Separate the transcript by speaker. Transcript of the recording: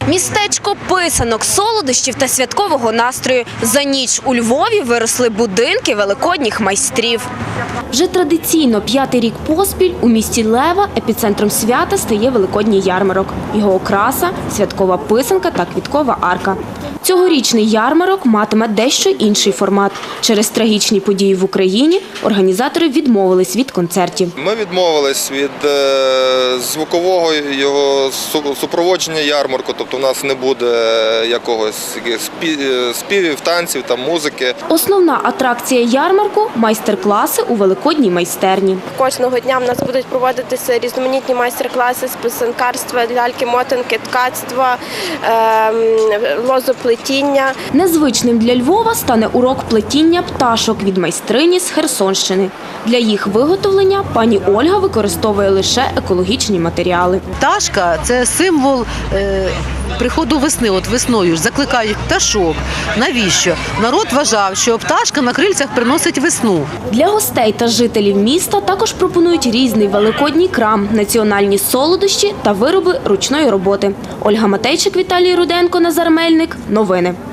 Speaker 1: Містечко писанок, солодощів та святкового настрою. За ніч у Львові виросли будинки великодніх майстрів. Вже традиційно 5-й рік поспіль у місті Лева епіцентром свята стає великодній ярмарок. Його окраса – святкова писанка та квіткова арка. Цьогорічний ярмарок матиме дещо інший формат. Через трагічні події в Україні організатори відмовились від концертів.
Speaker 2: Ми відмовились від звукового його супроводження ярмарку, тобто у нас не буде якогось співів, танців та музики.
Speaker 1: Основна атракція ярмарку – майстер-класи у великодній майстерні.
Speaker 3: Кожного дня в нас будуть проводитися різноманітні майстер-класи з писанкарства, ляльки-мотанки, ткацтва, лозоплетіння.
Speaker 1: Незвичним для Львова стане урок плетіння пташок від майстрині з Херсонщини. Для їх виготовлення пані Ольга використовує лише екологічні матеріали.
Speaker 4: Пташка – це символ приходу весни. От весною ж закликають пташок. Навіщо? Народ вважав, що пташка на крильцях приносить весну.
Speaker 1: Для гостей та жителів міста також пропонують різний великодній крам, національні солодощі та вироби ручної роботи. Ольга Матейчик, Віталій Руденко, Назар Мельник. Новини.